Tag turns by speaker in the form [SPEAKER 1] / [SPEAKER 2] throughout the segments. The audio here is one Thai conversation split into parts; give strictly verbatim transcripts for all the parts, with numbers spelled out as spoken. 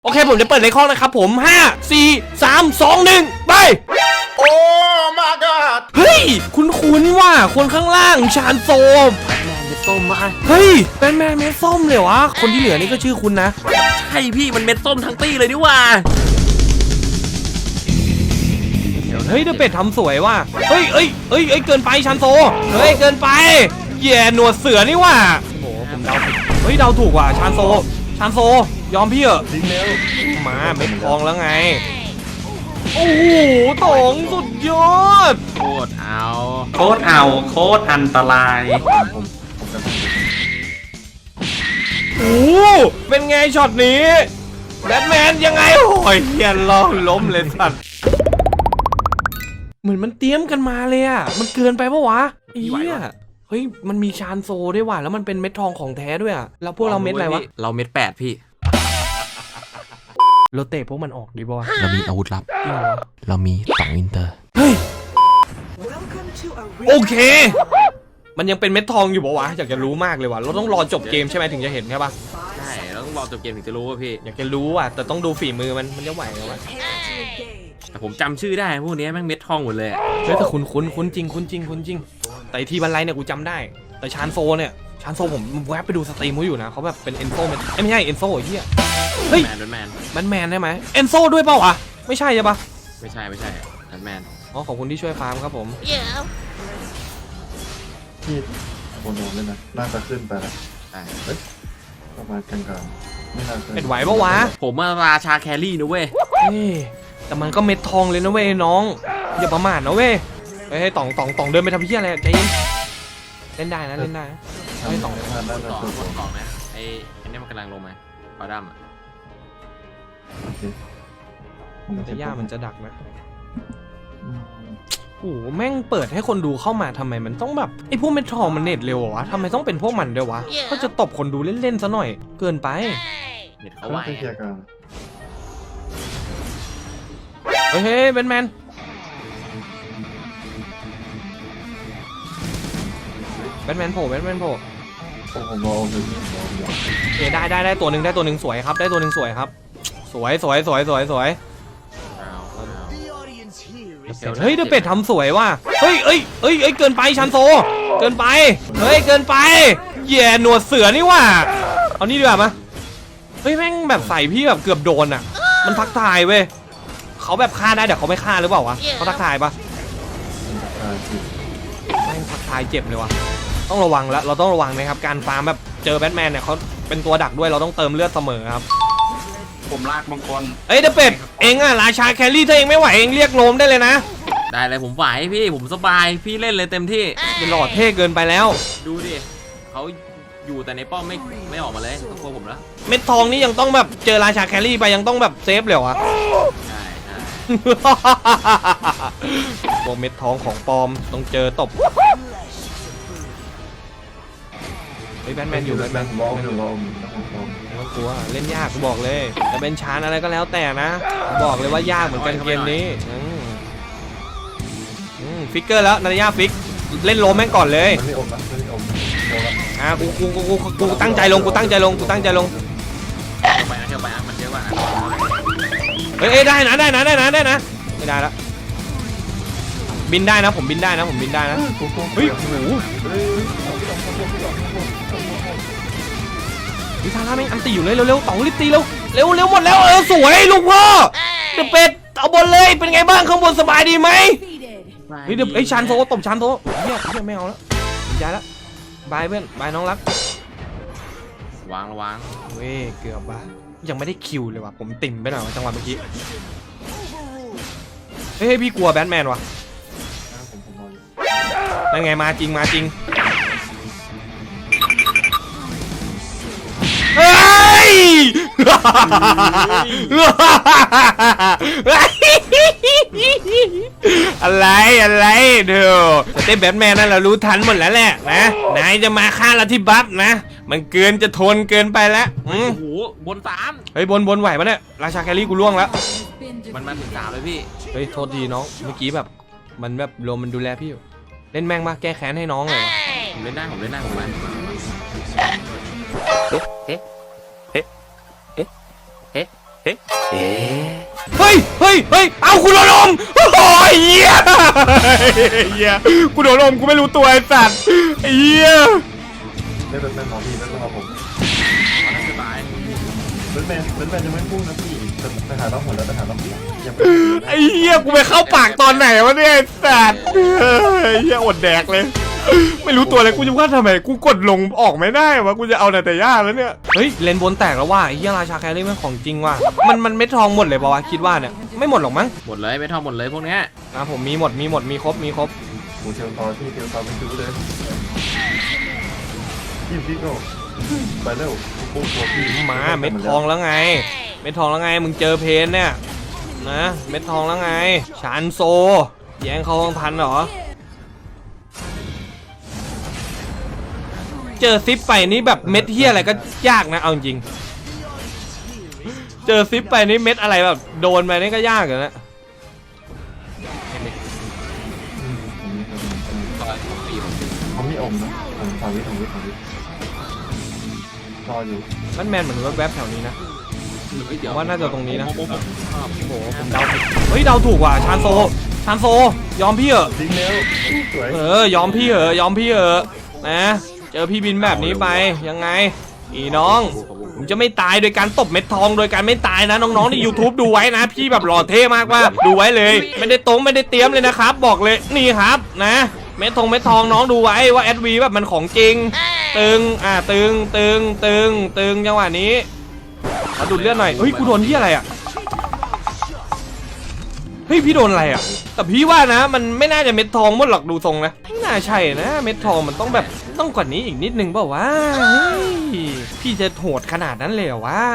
[SPEAKER 1] โอเคผมจะเปิดในข้อนะครับผมห้า สี่ สาม สอง หนึ่งไปโอ้ my god เฮ้ยคุ้นๆว่ะคนข้างล่างชานโซมแบทแมนเม็ดส้มมาเฮ้ยแบทแมนเม็ดส้มเลยวะคนที่เหลือนี่ก็ชื่อคุณนะ
[SPEAKER 2] ใช่พี่มันเม็ดส้มทั้งตี้เลยนี่ว่า
[SPEAKER 1] เฮ้ยเดอะเป็ดทำสวยว่ะเฮ้ยเอ้ยเอ้ยเอ้ยเกินไปชานโซเฮ้ยเกินไปแย่หนวดเสือนี่ว่ะโอ้ผมเดาผิดเฮ้ยเดาถูกว่ะชานโซชานโซยอมพี่เหอะมาเม็ดทองแล้วไงโอ้โหตองสุดยอด
[SPEAKER 2] โคตรเอา
[SPEAKER 3] โคตรเอาโคตรอันตราย
[SPEAKER 1] โอ้เป็นไงช็อตนี้แบทแมนยังไงโอ้ยเฮียล้อล้มเลยสัตว์เหมือนมันเตรียมกันมาเลยอ่ะมันเกินไปปะวะเฮียเฮ้ยมันมีชานโซด้วยว่ะแล้วมันเป็นเม็ดทองของแท้ด้วยอ่ะแล้วพวกเราเม็ดอะไรวะ
[SPEAKER 2] เราเม็ดแปดพี่
[SPEAKER 1] เราเตะพวกมันออกดีป่ะ
[SPEAKER 2] เรามีอาวุธลับเรามีต่องอินเตอร์
[SPEAKER 1] เฮ้ยโอเคมันยังเป็นเม็ดทองอยู่ป่ะวะอยากจะรู้มากเลยว่ะเราต้องรอจบเกมใช่ไหมถึงจะเห็นใช่ป่ะ
[SPEAKER 2] ใช่เราต้องรอจบเกมถึงจะรู้ว่าพี่
[SPEAKER 1] อยากจะรู้อ่ะแต่ต้องดูฝีมือมันมันจะไหวไหมวะ
[SPEAKER 2] แต่ผมจำชื่อได้พวกนี้แม่งเม็ดทองหมดเลย
[SPEAKER 1] เฮ้ยแต่คุ้นคุ้นคุ้นจริงคุ้นจริงคุ้นจริงแต่ทีบันไลเนี่ยกูจำได้แต่ชานโซเนี่ยชานโซผมแวะไปดูสตรีมเขาอยู่นะเขาแบบเป็นเอนโซไม่ใช่เอนโซไอ้เหี้ยเฮ้ย
[SPEAKER 2] แมนแมน
[SPEAKER 1] แมนแมนได้ไหมเอนโซด้วยเปล่าวะไม่ใช่ใช่ปะ
[SPEAKER 2] ไม่ใช่ไม่ใช่แมนแมน
[SPEAKER 1] อ๋อขอบคุณที่ช่วยฟาร์มครับผม
[SPEAKER 4] ที่โคนโดนเลยนะน่าจะขึ้นไปแล้วประมาณกลางๆไม่น่าจะ
[SPEAKER 1] เป็นไหวปะวะ
[SPEAKER 2] ผมมาราชาแครี่นะเว้ย
[SPEAKER 1] แต่มันก็เม็ดทองเลยนะเว้ยน้องอย่าประมาทนะเว้ยเฮ้ยต่องต่องต่องเดินไปทำเพี้ยอะไรใจเย็นเล่นได้นะเล่นได้
[SPEAKER 4] ไอ้ต่องทานได้
[SPEAKER 2] ต่องต่องนะไอ้ไอ้นี่มันกำลังลงมาปลาดำอ่ะ
[SPEAKER 1] แต่ย่ามันจะดักนะโอ้โหแม่งเปิดให้คนดูเข้ามาทำไมมันต้องแบบไอ้พวกเม็ดทองมันเน็ตเร็ววะทำไมต้องเป็นพวกมันด้วยวะก็จะตบคนดูเล่นๆซะหน่อยเกินไป
[SPEAKER 2] เน็ตเขาไหว
[SPEAKER 1] เฮ้ยเฮ้ยแบทแมนแบทแมนโผล่แบทแมนโผล่
[SPEAKER 4] ผมรอหนึ่ง
[SPEAKER 1] โอเคได้ได้ได้ตัวหนึ่งได้ตัวหนึ่งสวยครับได้ตัวหนึ่งสวยครับสวยสวยสวยสวยสวยเฮ้ยเดอะเป็ดทำสวยว่ะเฮ้ยเอ้ยเอ้ยเอ้ยเกินไปชันโซเกินไปเฮ้ยเกินไปแย่หนวดเสือนี่ว่ะเอานี่ดีกว่ามาเฮ้ยแม่งแบบใส่พี่แบบเกือบโดนอ่ะมันทักทายเว้ยเขาแบบฆ่าได้แต่เขาไม่ฆ่าหรือเปล่าวะเขาทักทายปะแม่งทักทายเจ็บเลยวะต้องระวังแล้วเราต้องระวังนะครับการฟาร์มแบบเจอแบทแมนเนี่ยเขาเป็นตัวดักด้วยเราต้องเติมเลือดเสมอครับ
[SPEAKER 3] ผมลากมังกร
[SPEAKER 1] เอ้ยเดอะเป็ดเองอะราชาแครี่ถ้าเองไม่ไหวเองเรียกโลมได้เลยนะ
[SPEAKER 2] ได้เลยผมไหวพี่ผมสบายพี่เล่นเลยเต็มที่
[SPEAKER 1] เป็นหลอดเท่เกินไปแล้ว
[SPEAKER 2] ดูดิเขาอยู่แต่ในป้อมไม่ไม่ออกมาเลยต้องกลัวผมแล้ว
[SPEAKER 1] เม็ดทองนี่ยังต้องแบบเจอราชาแครี่ไปยังต้องแบบเซฟเลยวะ
[SPEAKER 2] ใช่ใช่
[SPEAKER 1] พวกเม็ดทองของปลอมต้องเจอตบไอ้แบทแมนอยู่แบทแมน
[SPEAKER 4] ลองอยู่ลอง
[SPEAKER 1] ไม่กลัวเล่นยากกูบอกเลยจะเป็นชานอะไรก็แล้วแต่นะบอกเลยว่ายากเหมือนกันเกมนี้ฟิกเกอร์แล้วนาฬิกาฟิกเล่นโลมแม่งก่อนเลยอ่ะกูกูกูกูกูตั้งใจลงกูตั้งใจลงกูตั้งใจลง
[SPEAKER 2] ไปนะเที่ยวไปมันเยอะกว่า
[SPEAKER 1] เฮ้ยได้นะได้นะได้นะได้นะไม่ได้แล้วบินได้นะผมบินได้นะผมบินได้นะเฮ้ยโอ้โหวิธาร่าไม่อันตีอยู่เลยเร็วๆต่องรีบตีเร็วเร็วเร็วหมดแล้วเออสวยลูกพ่อเดอะเป็ดเอาบนเลยเป็นไงบ้างข้างบนสบายดีไหมเฮ้ยเดี๋ยวไอ้ชานโซตบชานโซเฮียเฮียไม่เอาแล้วย้ายแล้วบายเพื่อนบายน้องรัก
[SPEAKER 2] วางระวัง
[SPEAKER 1] เว้ยเกือบบ้ายังไม่ได้คิวเลยว่ะผมติ่มไปหน่อยจังหวะเมื่อกี้เฮ้ยพี่กลัวแบทแมนวะนั่นไงมาจริงมาจริงเฮ้ยอะไรอะไรเดี๋ยวเต้นแบทแมนนั่นเรารู้ทันหมดแล้วแหละนะนายจะมาฆ่าเราที่บัฟนะมันเกินจะทนเกินไปแล้ว
[SPEAKER 2] โอ้โหบนสาม
[SPEAKER 1] เฮ้ยบนบนไหวปะเนี่ยราชาแครี่กูล่วงแล้ว
[SPEAKER 2] มันมาถึงสามเลยพี่
[SPEAKER 1] เฮ้ยโทษทีน้องเมื่อกี้แบบมันแบบลมมันดูแลพี่อยู่เล่นแม่งมาแก้แค้นให้น้องเลย
[SPEAKER 2] ผมเล่นได้ผมเล่นได้ผมมา
[SPEAKER 3] เอ๊ะเอ๊ะเอ๊ะเอ๊ะเอ๊ะ
[SPEAKER 1] เฮ้ยเฮ้ยเฮ้ยเอากูโดนลมโอ้ยเหี้ยเหี้ยกูโดนลมกูไม่รู้ตัวไอ้สัตว์ไอ้เหี้ย
[SPEAKER 4] ไม่เป็นแมนหมอพี่ไม่เป็นหมอผม
[SPEAKER 2] สบาย
[SPEAKER 4] เป็นแมนเป็นแมนยังไม่พูดนะพี่ไปหาต้องหมดแล้วไปหาต้องหมดยังไม่
[SPEAKER 1] ไอ้เหี้ยกูไปเข้าปากตอนไหนวะเนี่ยไอ้สัตว์ไอ้เหี้ยอดแดกเลยไม่รู้ตัวเลยกูจะว่าทำไมกูกดลงออกไม่ได้วะกูจะเอาแต่แต่ย่าแล้วเนี่ยเฮ้ยเลนบนแตกแล้วว่ะไอ้เหี้ยราชาแครี่มันของจริงว่ะมันมันเม็ดทองหมดเลยป่าวะคิดว่าเนี่ยไม่หมดหรอกมั้ง
[SPEAKER 2] หมดเลยไม่ทอหมดเลยพวกเนี้ย
[SPEAKER 1] อ่ะผมมีหมดมีหมดมีครบมีครบ
[SPEAKER 4] กูเทียวตอที่เทียวตอเป็นคิวเลยพี่พี่โก้ไปเร็วปุ๊บตัวพี่
[SPEAKER 1] มาเม็ดทองแล้วไงเม็ดทองแล้วไงมึงเจอเพนเนี่ยนะเม็ดทองแล้วไงชานโซแย่งเขาทันเหรอเจอซิปไปนี่แบบเม็ดเฮียอะไรก็ยากนะเอาจริงเจอซิปไปนี่เม็ดอะไรแบบโดนไปนี่ก็ยากเลยนะ
[SPEAKER 2] ซอยปีผม
[SPEAKER 4] เขามีอมนะผมสาวิทของวิทของวิทรออยู่
[SPEAKER 1] มันแมนเหมือนแวบๆแถวนี้นะ
[SPEAKER 2] เดี๋ยว
[SPEAKER 1] ว่าน่าจะตรงนี้นะ
[SPEAKER 2] โอ้โห
[SPEAKER 1] โอ้โหผมเดาผิดเฮ้ยเดาถูกว่ะชานโซชานโซยอมพี่เหอะ
[SPEAKER 4] ทิ้งเร็วสวย
[SPEAKER 1] เออยอมพี่เหอะยอมพี่เหอะนะเจอพี่บินแบบนี้ไปยังไงอีน้องผมจะไม่ตายโดยการตบเม็ดทองโดยการไม่ตายนะน้องๆใน YouTube ดูไว้นะพี่แบบหล่อเท่มากว่าดูไว้เลย ไม่ได้ตรงไม่ได้เตรียมเลยนะครับบอกเลยนี่ครับนะเม็ดทองเม็ดทองน้องดูไว้ว่าแอดวีแบบมันของจริงตึงอ่าตึงตึงตึงตึงจังหวะนี้ขอดูดเลือดหน่อยเฮ้ยกูโดนที่อะไรอ่ะเฮ้ยพี่โดนอะไรอ่ะแต่พี่ว่านะมันไม่น่าจะเม็ดทองหมดหรอกดูทรงนะไม่น่าใช่นะเม็ดทองมันต้องแบบต้องกว่านี้อีกนิดนึงเปล่าวะเฮ้ยพี่จะโหดขนาดนั้นเลยเหรอวะ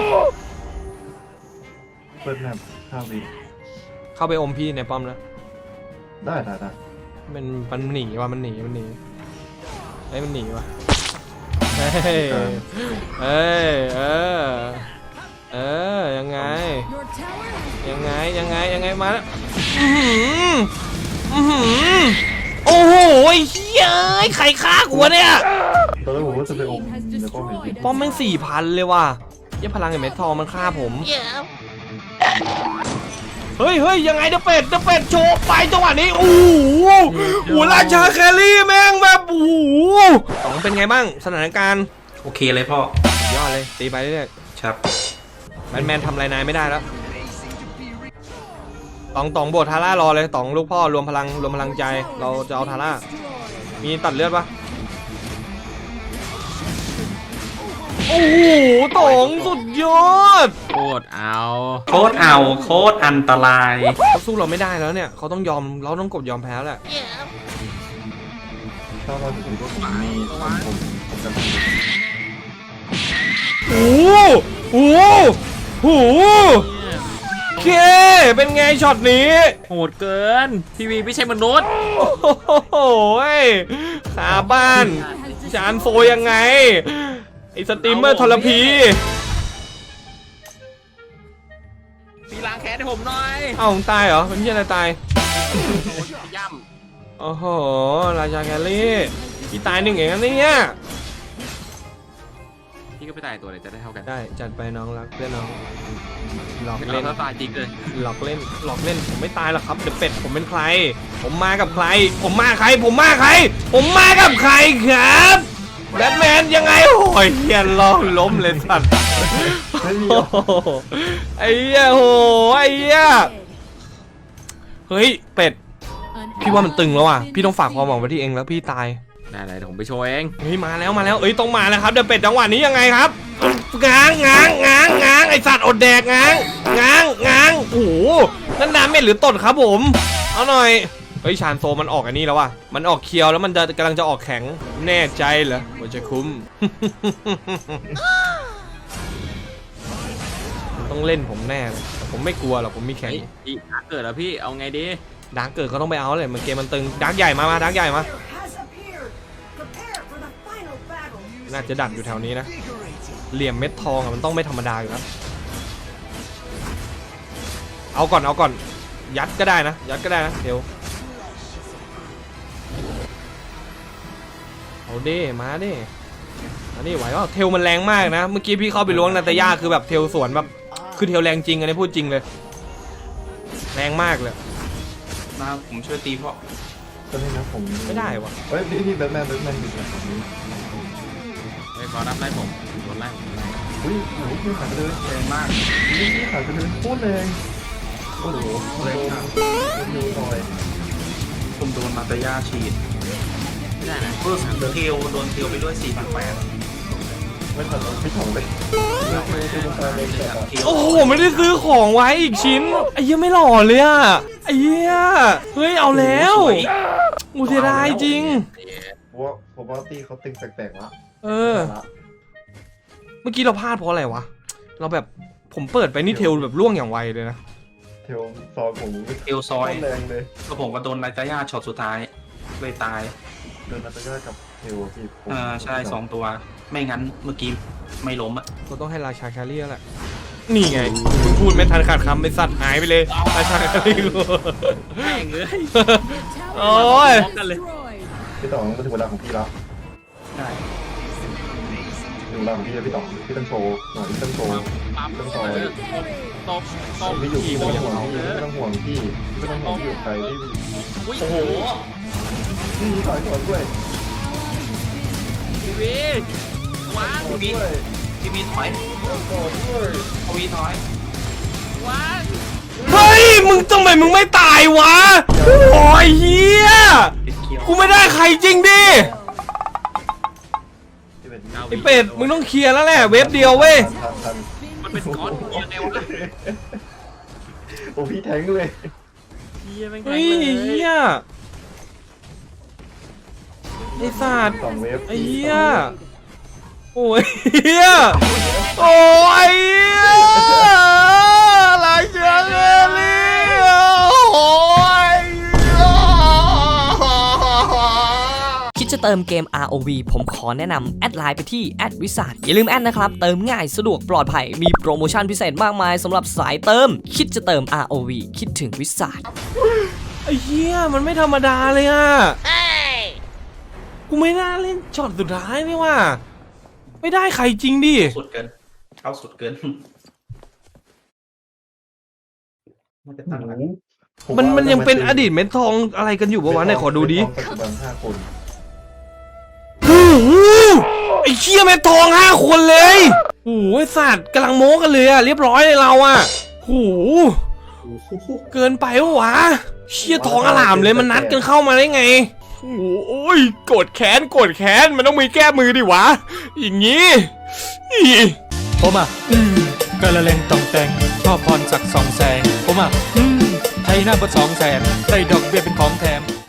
[SPEAKER 4] เปิดแมปข้าววี
[SPEAKER 1] เข้าไปอมพี่ในป้อมนะ
[SPEAKER 4] ได้ได้ได้
[SPEAKER 1] มันมันหนีว่ะมันหนีมันหนีไอ้ยมันหนีว่ะเฮ้ยเอ้ยเออเออยังไง ยังไงยังไงยังไงมาแล้วอื้อหืออื้อหือโอ้โหเฮ้ยใครฆ่ากูวะเนี่ย
[SPEAKER 4] ตอนแรกผมว่าจะไปอมในป้อมเห็น
[SPEAKER 1] ป้อมแม่งสี่พันเลยว่ะยี่พลังไอ้เม็ดทองมันฆ่าผมเฮ้ยเฮ้ยยังไงเดอะเป็ดเดอะเป็ดโชว์ไปจังหวะนี้โอ้โหโอ้ราชาแครี่แม่งแบบโอ้โหสองเป็นไงบ้างสถานการณ์
[SPEAKER 3] โอเคเลยพ่อย
[SPEAKER 1] อดเลยตีไปเรื่อย
[SPEAKER 3] ครับ
[SPEAKER 1] ๆแมนแมนทำอะไรนายไม่ได้แล้วตองตองโบดทาร่ารอเลยตองลูกพ่อรวมพลังรวมพลังใจเราจะเอาทาร่ามีตัดเลือดปะโอ้โหตองสุดยอด
[SPEAKER 2] โคตรเอา
[SPEAKER 3] โคตรเอาโคตรอันตราย
[SPEAKER 1] เขาสู้เราไม่ได้แล้วเนี่ยเขาต้องยอมเราต้องกดยอมแพ้แหละ
[SPEAKER 4] ถ้าเราถึงก็ผมมีผมผมผมจะ
[SPEAKER 1] โอ้โหโอ้โหเคเป็นไงช็อตนี้
[SPEAKER 2] โหดเกินทีวีไม่ใช่มนุษย์
[SPEAKER 1] โอ้โหขาบ้านจานโฟยังไงไอสตรีมเมอร์ทรพี
[SPEAKER 2] ตีล้างแค้นให้ผมหน่อย
[SPEAKER 1] เอ้าตายเหรอเป็นที่อะไรตาย
[SPEAKER 2] ย่
[SPEAKER 1] โอ้โหราชาแคลรี่พี่ตายหนึ่งเองนะเนี่ย
[SPEAKER 2] ำพี่ก็ไปตายตัวเลยจะได้เท่ากัน
[SPEAKER 1] ได้จัดไปน้องรักเพื่อนน้องหลอก
[SPEAKER 2] ไม่
[SPEAKER 1] เล่น
[SPEAKER 2] เอาถ้าตายจริงเลย
[SPEAKER 1] หลอกเล่นหลอกเล่นผมไม่ตายหรอกครับเดอะเป็ดผมเป็นใคร ผมมากับใคร ผมมาใคร ผมมาใคร ผมมากับใครครับแบทแมนยังไงโอ้ยเฮียล้อล้มเลยสัตว์
[SPEAKER 4] ไม่มี
[SPEAKER 1] โอ้โหไอ้เหี้ยโหไอ้เหี้ยเฮ้ยเป็ดพี่ว่ามันตึงแล้วอ่ะพี่ต้องฝากความหวังไว้ที่เองแล้วพี่ตาย
[SPEAKER 2] ได้เลยเดี๋ยวผมไปโชว์เอง
[SPEAKER 1] เฮ้ยมาแล้วมาแล้วเอ้ยต้องมาแล้วครับเดอะเป็ดจังหวะนี้ยังไงครับง้างง้างง้างง้างไอสัตว์อดแดกง้างง้างง้างโอ้โหนั่นน้ำเม็ดหรือตดครับผมเอาหน่อยเฮ้ยชานโซมันออกอันนี้แล้วว่ะมันออกเคียวแล้วมันจะกำลังจะออกแข็งแน่ใจเหรอว่าจะคุ้ม มันต้องเล่นผมแน่เลยแต่ผมไม่กลัวหรอกผมมีแข็ง
[SPEAKER 2] เฮ้ยอีกเกิดแล้วพี่เอาไงดี
[SPEAKER 1] ดาร์กเกิดเขาต้องไปเอาเลยมันเกมมันตึงดาร์กใหญ่มามาดาร์กใหญ่มาน่าจะดักอยู่แถวนี้นะเหลี่ยมเม็ดทองอะมันต้องไม่ธรรมดาอยู่แล้วเอาก่อนเอาก่อนยัดก็ได้นะยัดก็ได้นะเดี๋ยวเอาดิมาดิอันนี้ไหวว่าเทลมันแรงมากนะเมื่อกี้พี่เข้าไปล้วงนาตาย่าคือแบบเทลสวนแบบคือเทลแรงจริงอันนี้พูดจริงเลยแรงมากเลย
[SPEAKER 3] มาผมช่วยตีพ่อ
[SPEAKER 4] ตอนนี้นะผม
[SPEAKER 1] ไม่ได้วะ
[SPEAKER 4] เฮ้ยนี่นี่แบทแมนแบทแมนอยู่แบบนี้
[SPEAKER 2] ไอ้ยขอรับไล่ผมโดนไล่ผมไล่
[SPEAKER 4] อุ้ยโอ้โหพี่ขาดไปเลย
[SPEAKER 3] แรงมาก
[SPEAKER 4] นี่พี่ขาดไปเลยโคตรแรงโอ้โหแรงมากโดนดูหน่อย
[SPEAKER 3] ผมโดนนาตาย่าฉีด
[SPEAKER 2] ไม่ได้นะ
[SPEAKER 3] เพิ่มเทลโดนเทลไปด้วยสี่พันแปด
[SPEAKER 4] ไม่ทันไม่ถ่องเลยไม่ไม่ไม่ไม่ไม่ไม่
[SPEAKER 3] เทล
[SPEAKER 1] โอ้โหไม่ได้ซื้อของไว้อีกชิ้นไอ้เหี้ยไม่หล่อเลยอะไอ้เหี้ยเฮ้ยเอาแล้วอูเสียดายจริง
[SPEAKER 4] เพราะว่าผมว่าตีเขาตึงแปลกๆละ
[SPEAKER 1] เออ เมื่อกี้เราพลาดเพราะอะไรวะเราแบบผมเปิดไปนี่เทลแบบล่วงอย่างไวเลยนะ
[SPEAKER 4] เทลซอยผม
[SPEAKER 3] เทลซอย
[SPEAKER 4] แรงเลย
[SPEAKER 3] ก็ผมก็โดนนาตาย่าช็อตสุดท้ายเลยตาย
[SPEAKER 4] เดินนาตาย่ากับเทลพี่ผม
[SPEAKER 3] อ่าใช่สองตัว ไม่งั้นเมื่อกี้ไม่ล้มอ่ะ
[SPEAKER 1] เราต้องให้ราชาแครี่แล้วแหละนี่ไงมึงพูดไม่ทันขาดคำไปสัตว์หายไปเลยราชาแครี่กู
[SPEAKER 2] แม่งเอ้ย
[SPEAKER 1] โอ้ย
[SPEAKER 2] พร้อมกันเลย
[SPEAKER 4] พี่ต่องมันถึงเวลาของพี่แล้ว
[SPEAKER 3] ได้
[SPEAKER 4] ถึงเวลาของพี่แล้วพี่ต่องพี่ต้องโชว์หน่อยพี่ต้องโชว์
[SPEAKER 2] ปั๊ม
[SPEAKER 4] ต้อง
[SPEAKER 2] ต
[SPEAKER 4] ซอย
[SPEAKER 2] บตบ
[SPEAKER 4] พี่อยู่
[SPEAKER 2] ขี่
[SPEAKER 4] พี่
[SPEAKER 2] โม
[SPEAKER 4] ไม่ต้อง
[SPEAKER 2] ง
[SPEAKER 4] ห่วงพี่ไม่ต้องห่วงพี่ไม่ต้องห่วงพี่อยู่ใครพี่
[SPEAKER 2] อุ้ย
[SPEAKER 3] โอ้โห
[SPEAKER 4] พี่ถอยก่อนด้วย
[SPEAKER 2] ทีวีว้าง
[SPEAKER 3] พี่บีพี่บีถอย
[SPEAKER 4] ก่อนด้วย
[SPEAKER 3] พี่บีถอย
[SPEAKER 2] ว้าง
[SPEAKER 1] เฮ้ยมึงทำไมมึงไม่ตายวะโอ้ยเฮีย
[SPEAKER 3] ติดเคียว
[SPEAKER 1] กูไม่ได้ใครจริงดิ
[SPEAKER 4] พี่เป็น
[SPEAKER 1] ไอเป็ดมึงต้องเคลียร์แล้วแหละเว็บเดียวเว้ย
[SPEAKER 4] ทันทัน
[SPEAKER 2] มันเป็นก้อนยังไงวะ
[SPEAKER 4] โอ้พี่แทงเลย
[SPEAKER 2] เฮียแม่งแท
[SPEAKER 1] เฮ้
[SPEAKER 2] ง
[SPEAKER 1] ย
[SPEAKER 2] เลย
[SPEAKER 1] เฮียไอสัตว์
[SPEAKER 4] สองเวฟ
[SPEAKER 1] ไอ้เหี้ยโอ้ยเฮียโอ้ยเฮียหลายเชือกเลยโอ้ย
[SPEAKER 5] คิดจะเติมเกม อาร์ โอ วี ผมขอแนะนำแอดไลน์ไปที่แอดวิสาอย่าลืมแอดนะครับ เติมง่ายสะดวกปลอดภัย มีโปรโมชั่นพิเศษมากมายสำหรับสายเติม คิดจะเติม อาร์ โอ วี คิดถึงวิสา
[SPEAKER 1] ไอ้เหี้ยมันไม่ธรรมดาเลยอ่ะกูไม่น่าเล่นช็อตสุดท้ายนี่ว่าไม่ได้ใครจริงดิ
[SPEAKER 3] สุดเกิน เข้าสุดเกินมันจะตั้งหลัก
[SPEAKER 1] มันมันยังเป็นอดีตเม็ดทองอะไรกันอยู่ปะวะไหนขอดูดิ
[SPEAKER 4] ปัจจุบันห้าคน
[SPEAKER 1] โอ้โหไอ้เชี่ยเม็ดทองห้าคนเลยโอ้โหไอ้สัตว์กำลังโม้กันเลยอะเรียบร้อยเลยเราอะโอ้โหเกินไปวะวะเชี่ยทองอลามเลยมันนัดกันเข้ามาได้ไงโอ้โหโอ้ยโกรธแค้นโกรธแค้นมันต้องมีแก้มือดิวะอย่างงี้อี
[SPEAKER 6] ผมอ่ะอืมกระเลงตองแต่งชอบพรสักสองแสงผมอ่ะอืมไทยหน้าบดสองแสนได้ดอกเบี้ยเป็นของแถม